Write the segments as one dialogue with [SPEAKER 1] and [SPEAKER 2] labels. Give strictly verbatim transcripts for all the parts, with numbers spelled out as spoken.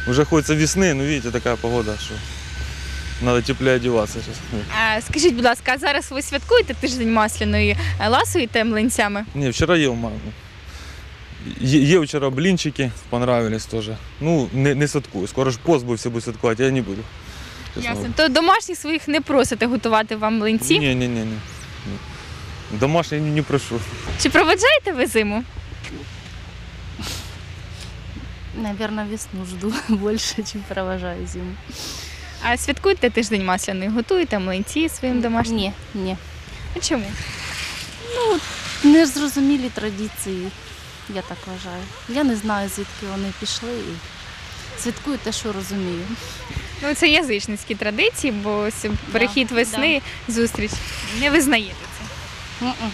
[SPEAKER 1] Уже хочется весны, но видите, такая погода, что надо теплее одеваться сейчас.
[SPEAKER 2] А скажіть, будь ласка, а зараз ви святкуєте тиждень масляної, е, ласуєте млинцями?
[SPEAKER 1] Не, вчера ел маму. Е- ел вчера блинчики, понравились тоже. Ну, не, не святкую. Скоро ж пост будет, все будут святкувати, я не буду. Честно
[SPEAKER 2] Ясно.
[SPEAKER 1] говоря.
[SPEAKER 2] То домашніх своїх не просите готувати вам млинці?
[SPEAKER 1] Не, не, не, не. Домашний не, не прошу.
[SPEAKER 2] Чи проведжаєте ви зиму?
[SPEAKER 3] Наверное, весну жду больше, чем провожаю зиму.
[SPEAKER 2] А святкуєте тиждень масляний? Готуєте млинці своїм домашнім?
[SPEAKER 3] Ні, ні.
[SPEAKER 2] А чому?
[SPEAKER 3] Не зрозумілі традиції, я так вважаю. Я не знаю, звідки вони пішли. І святкую те, що розумію.
[SPEAKER 2] Ну, це язичницькі традиції, бо ось перехід весни, зустріч. Не визнаєте це.
[SPEAKER 3] М-м.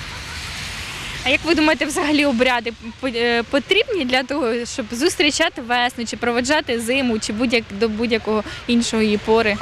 [SPEAKER 2] А як ви думаєте, взагалі обряди по- е, потрібні для того, щоб зустрічати весну, чи проведжати зиму, чи будь-як до будь-якого іншого її пори?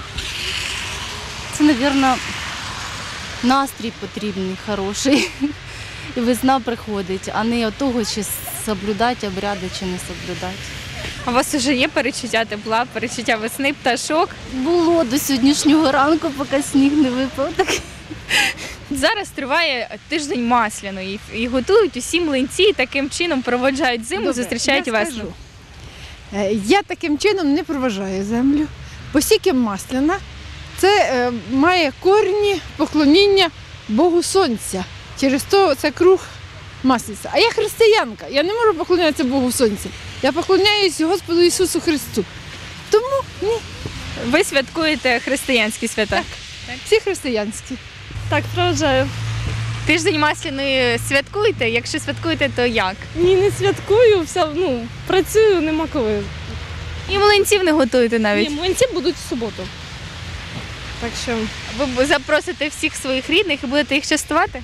[SPEAKER 3] Це, мабуть, настрій потрібний, хороший. І весна приходить, а не от того, чи соблюдати обряди, чи не соблюдати.
[SPEAKER 2] А у вас вже є перечуття тепла, перечуття весни, пташок?
[SPEAKER 3] Було до сьогоднішнього ранку, поки сніг не випав. Так.
[SPEAKER 2] Зараз триває тиждень масляної і готують усі млинці, і таким чином проводжають зиму,
[SPEAKER 4] Добре,
[SPEAKER 2] зустрічають
[SPEAKER 4] я
[SPEAKER 2] весну.
[SPEAKER 4] скажу. Е, Я таким чином не проважаю землю. Оскільки масляна, це е, має корні поклоніння Богу Сонця. Через то це круг масляця. А я християнка, я не можу поклонятися Богу Сонця. Я поклоняюсь Господу Ісусу Христу. Тому ні,
[SPEAKER 2] Ви святкуєте християнські свята?
[SPEAKER 4] всі християнські.
[SPEAKER 5] Так, проведжаю.
[SPEAKER 2] Тиждень масляної святкуєте? Якщо святкуєте, то як?
[SPEAKER 5] Ні, не святкую, вся, ну, працюю, нема коли.
[SPEAKER 2] І млинців не готуєте навіть?
[SPEAKER 5] Ні, млинці будуть в суботу. Так що,
[SPEAKER 2] Ви запросите всіх своїх рідних і будете їх частувати?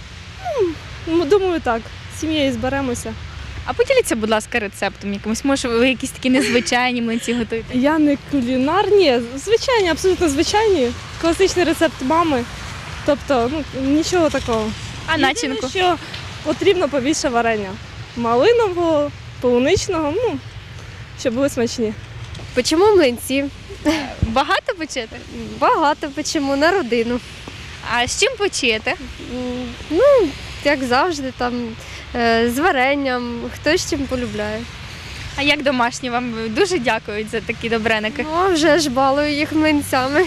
[SPEAKER 5] ну, думаю, так. З сім'єю зберемося.
[SPEAKER 2] А поділіться, будь ласка, рецептом якимось. Може, ви якісь такі незвичайні млинці готуєте?
[SPEAKER 5] Я не кулінар, ні, звичайні, абсолютно звичайні. Класичний рецепт мами. Тобто, ну, нічого такого.
[SPEAKER 2] А начинку?
[SPEAKER 5] Єдине, що потрібно побільше варення. Малинового, полуничного, ну, щоб були смачні.
[SPEAKER 6] Печемо млинці.
[SPEAKER 2] Багато печете?
[SPEAKER 6] Багато печемо на родину.
[SPEAKER 2] А з чим печете?
[SPEAKER 6] М, Ну, як завжди, там е, з варенням, хто з чим полюбляє.
[SPEAKER 2] А як домашні вам дуже дякують за такі добреники?
[SPEAKER 6] Ну, а вже ж балую їх млинцями.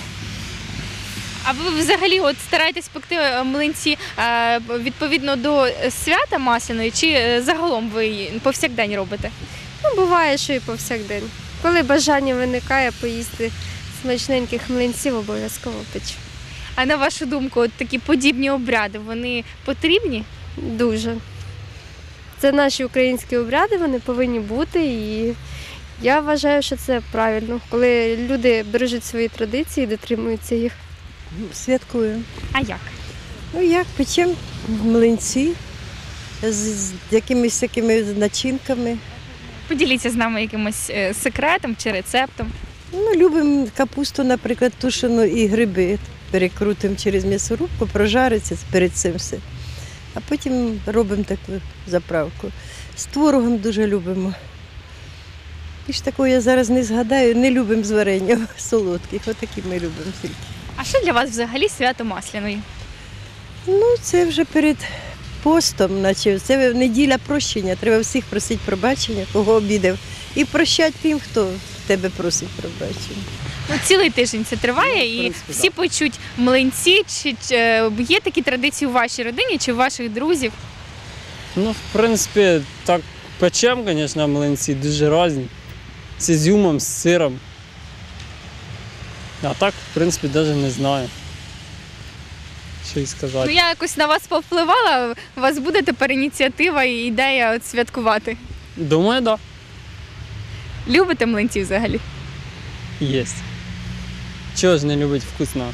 [SPEAKER 2] А ви взагалі от стараєтесь пекти е, млинці е, відповідно до свята масляної, чи е, загалом ви повсякдень робите?
[SPEAKER 6] Ну, буває, що і повсякдень. Коли бажання виникає поїсти смачненьких млинців, обов'язково печу.
[SPEAKER 2] А на вашу думку, от такі подібні обряди, вони потрібні?
[SPEAKER 6] Дуже. Це наші українські обряди, вони повинні бути, і я вважаю, що це правильно, коли люди бережуть свої традиції, дотримуються їх.
[SPEAKER 7] Святкую.
[SPEAKER 2] А як?
[SPEAKER 7] Ну як, печемо млинці з, з якимись такими начинками.
[SPEAKER 2] Поділіться з нами якимось е, секретом чи рецептом.
[SPEAKER 7] Ну, любимо капусту, наприклад, тушену і гриби. Перекрутимо через м'ясорубку, прожариться перед цим все. А потім робимо таку заправку. З творогом дуже любимо. Більш такого я зараз не згадаю, не любимо з варенням солодких. Отакі ми любимо тільки.
[SPEAKER 2] А що для вас взагалі свято масляної?
[SPEAKER 7] Ну, це вже перед постом, наче це неділя прощення. Треба всіх просити пробачення, кого обідав. І прощати тим, хто тебе просить пробачення.
[SPEAKER 2] Ну, цілий тиждень це триває,
[SPEAKER 7] Ну, в
[SPEAKER 2] і
[SPEAKER 7] принципі,
[SPEAKER 2] всі печуть млинці. Чи, чи е, є такі традиції у вашій родині чи у ваших друзів?
[SPEAKER 8] Ну, в принципі, так печем, звісно, млинці дуже різні. З ізюмом, з сиром. А так, в принципі, навіть не знаю, що й
[SPEAKER 2] Ну,
[SPEAKER 8] сказати.
[SPEAKER 2] я якось на вас повпливала, у вас буде тепер ініціатива і ідея от святкувати.
[SPEAKER 8] Думаю, так,
[SPEAKER 2] Любите млинці взагалі?
[SPEAKER 8] да, є. Чого ж не любить вкусно?